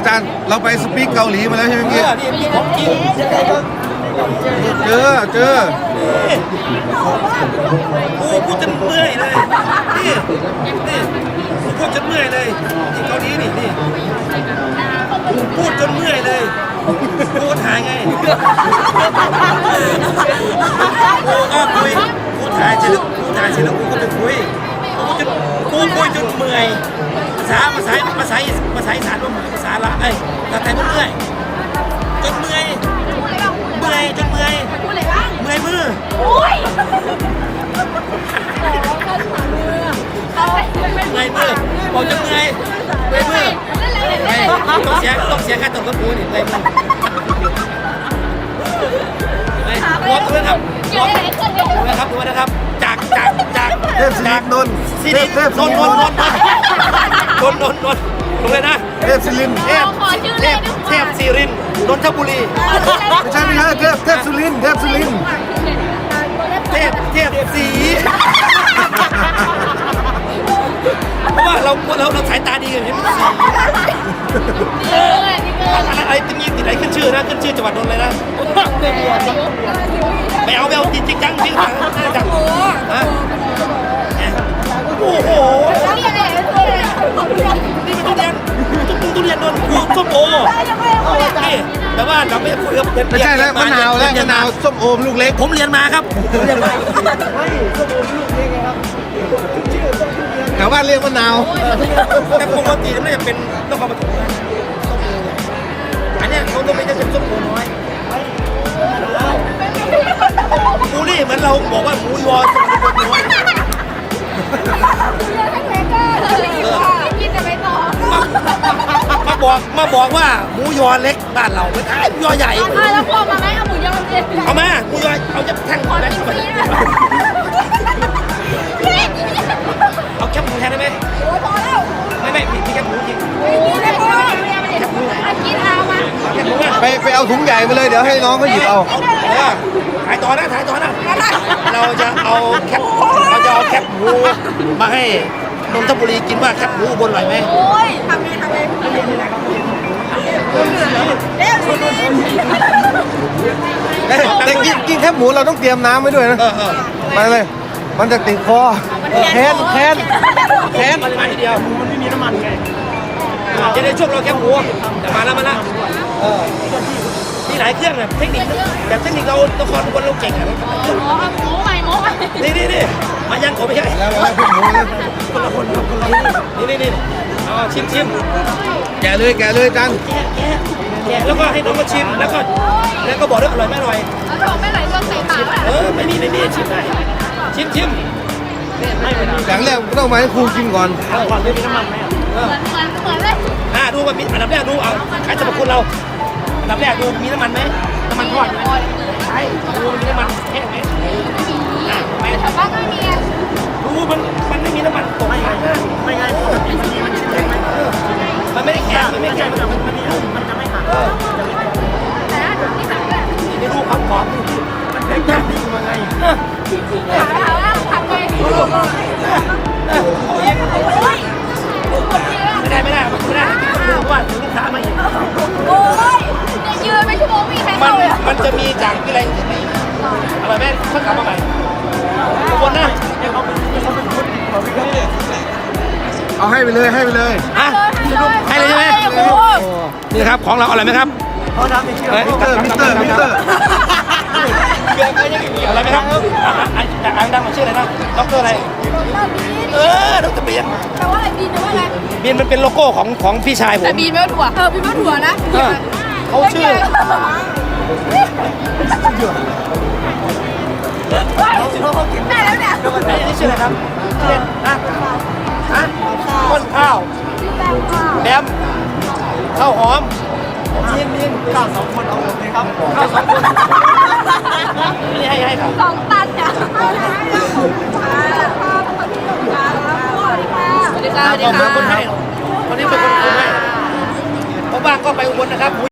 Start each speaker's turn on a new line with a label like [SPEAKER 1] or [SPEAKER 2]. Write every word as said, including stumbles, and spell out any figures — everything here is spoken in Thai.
[SPEAKER 1] อาจารย์เราไปสปีกเกาหลีมาแล้วใช่ไหม
[SPEAKER 2] เอ
[SPEAKER 1] เมื่อ
[SPEAKER 2] อ
[SPEAKER 1] กี้
[SPEAKER 2] นี่พี่ของจริง
[SPEAKER 1] เจอเจอ
[SPEAKER 2] กูพูดจนเมื่อยเลยนี่นี่กูพูดจนเมื่อยเลยที่เกาหลีนี่นี่กูพูดจนเมื่อยเลยกูถ่ายไงกูก็คุยกูถ่ายเสร็จแล้วกูถ่ายเสร็จแล้วกูก็ไปคุยกูจนกูคุยจนเมื่อยภาษาภาษาภาษาภาษาอีสานว่าภาษาละไอ้ภาษาไทยมันเมื่อยจนเมื่อยเมื่อยจนเมื่อยเมื่อยมือเมื่อยมือบอกจะเมื่อยเมื่อยมือไม่ต้องเสียต้องเสียค่าตกกระปูนี่เมื่อยมือไม่รถด้วยครับรถด้วยนะครับด้วยนะครับจากจากจาก
[SPEAKER 1] เทพศิรินทร์นนท์
[SPEAKER 2] สิ
[SPEAKER 1] เท
[SPEAKER 2] ริ
[SPEAKER 1] พเทพ
[SPEAKER 2] น
[SPEAKER 1] ศิ
[SPEAKER 2] น
[SPEAKER 1] ริ
[SPEAKER 2] น
[SPEAKER 1] น
[SPEAKER 2] น
[SPEAKER 1] ท
[SPEAKER 2] น
[SPEAKER 1] ร์
[SPEAKER 2] นนนนนนนลงเลยนะ
[SPEAKER 1] เทพศิรินทร์
[SPEAKER 2] เทพเทพเทพศิรินทร์นนทบุรี
[SPEAKER 1] ไม่ใช่ไม่ใช่เทพเทพสุรินทร์เทพสุรินทร์
[SPEAKER 2] เทพเทพสีเพราะว่าเราเราเราสายตาดีกันเห็นไหมสีอะไรจะมีติดอะไรขึ้นชื่อนะขึ้นชื่อจังหวัดนนท์เลยนะไม่เอาไม่เอาจริงจังจริงจังน่าจังฮะโอ้โหนี่เป็นทุเรียนทุกทุเรียนนนท์กูส้มโอนี่แต่ว่าเราไม่คุยกับ
[SPEAKER 1] ไม่ใช่แล้วมะนาวแล้วมะนาวส้มโอมลูกเล็ก
[SPEAKER 2] ผมเรียนมาครับผมเรียนมา
[SPEAKER 1] แถวบ้านเรียกมะนาว
[SPEAKER 2] แต่ปกติมันน่าจะเป็นต้องเอามาถูกนะอันเนี้ยเขาต้องไม่ได้เป็นส้มโอน้อยกูนี่เหมือนเราบอกว่าหมูยอส้มโอน้อยมาบอกมาบอกว่าหมูยอเล็กบ้านเราไม่ใช่หมูยอใหญ่
[SPEAKER 3] แล้วพอมาไหมเอาหมูยอเลย
[SPEAKER 2] เอามาหมูยอเอาจะแท่งหมดไหมเอาแคบหมูแทนได้ไหม
[SPEAKER 3] โอ้ยพอแล้ว
[SPEAKER 2] ไม่ไม่มีแคบหมูจริง
[SPEAKER 3] นี่ไม่พอกินเอามา
[SPEAKER 2] แคบหมูอ่ะ
[SPEAKER 1] ไปไปเอาถุงใหญ่มาเลยเดี๋ยวให้น้องเขาหยิบเอา
[SPEAKER 2] เออถ่ายต่อนะถ่ายต่อนะเราจะเอาแคบเราจะเอาแคบหมูมาให้นนทบุรีกินว่าแคบหมูบนอร่อยไหม
[SPEAKER 3] โอ้ยทำไงทำไงเร็วสิ
[SPEAKER 1] แต่กินกินแคบหมูเราต้องเตรียมน้ำไว้ด้วยนะ
[SPEAKER 2] เออเออ
[SPEAKER 1] ไปเลย มันจะติดคอแค้นแค้นแค้น
[SPEAKER 2] มันมาทีเดียวมันไม่มีน้ำมันไงจะได้ช่วงเราแคบหมูแต่มาแล้วมาแล้วเออมีหลายเครื่องอะเทคนิคแบบเทคนิคเราละครบนเราเก่งอะ
[SPEAKER 3] หมูใหม่หมูใหม่
[SPEAKER 2] นี่นี่นี่มายังผมไม่ใช่
[SPEAKER 1] แล้วแล้วพวกหมูเลย
[SPEAKER 2] คนละคนคนละนี่นี่นี่เอาชิมชิม
[SPEAKER 1] แกะเลยแกะเลยจัน
[SPEAKER 2] แกะแกะแกะแล้วก็ให้น้องมาชิมแล้วก็แล้วก็บอกด้วยอร่อยไม่อร่อย
[SPEAKER 3] แล้วบอกไม่ไหลเรื่องใส่ปาก
[SPEAKER 2] เออไม่มีไม่มีชิมได้ชิมชิมไม่เป็นไร
[SPEAKER 1] อย่างแรกต้องมาให้ครูกินก่อน
[SPEAKER 2] ก่อนไม่มีน้ำมันไหมอ่ะ
[SPEAKER 3] เหมือนเหมือนเหมือนเลย
[SPEAKER 2] อ่าดูว่ามีอันดับแรกดูเอาใครจะมาคุณเราอันดับแรกดูมีน้ำมันไหมน้ำมันทอดไหมใช่ดูมีน้ำมันแห้งไหมอ่าไม่
[SPEAKER 3] แต่บ้านไม่มี
[SPEAKER 2] ดูมันมันไม่มีน้ำมันตกไม่ไงไม่ไงปกติมันมีมันชิ้นเล็กไหมมันไม่ได้แข็งมันไม่แข็งมันมันมันจะไม่หัก
[SPEAKER 3] แต่ที่สั่งเลย
[SPEAKER 2] นี่ดูความกรอบมันเป็นแบบนี้มาไง
[SPEAKER 3] ถามถามว่าทำไง
[SPEAKER 2] ไม่ได้ไม่ได้ไม่ได้ดูว่าลูกค้ามาอีก
[SPEAKER 3] โอ้ยยืนไปชั่วโมงมีใคร
[SPEAKER 2] มั
[SPEAKER 3] เข้าน เลย
[SPEAKER 2] มันจะมีจากอะไรอะไรแม่เขากลับมาใหม่ทุกคนนะ
[SPEAKER 1] เอาให้ไปเลยให้ไปเลย
[SPEAKER 2] อ่ะให้เลยใช่ไหมนี่ครับของเราอร่อยไหมครับ
[SPEAKER 1] มิสเตอร์มิสเตอร์มิสเตอร์
[SPEAKER 2] อะไรไหมครับอ่านดังมาชื่ออะไรนะด็อกเตอร์อะไรเออด็อกเตอร์เบียน
[SPEAKER 3] แปลว่าอะไรบีนแปลว่าอะไร
[SPEAKER 2] เบียนมันเป็นโลโก้ของของพี่ชายผม
[SPEAKER 3] แต่บีนไม่ว่าถั่วเออบีนไม่ว่าถั่วนะ
[SPEAKER 2] เขาชื่อ
[SPEAKER 3] ได้แล้วเนี่ย
[SPEAKER 2] นี่ชื่ออะไรครับเล่นนะฮะต้นข้าวแบมข้าวหอมมีนมีนข้าวสองคนเอาหมดเลยครับข้าวสองคนนี่ให้ให้ครับ
[SPEAKER 3] สองตันเนี่ยสวัสดีค่ะสวัสดีค่ะ
[SPEAKER 2] ขอบคุณคนให้คนนี้เป็นคนคนให้ผมว่างก็ไปอุบลนะครับ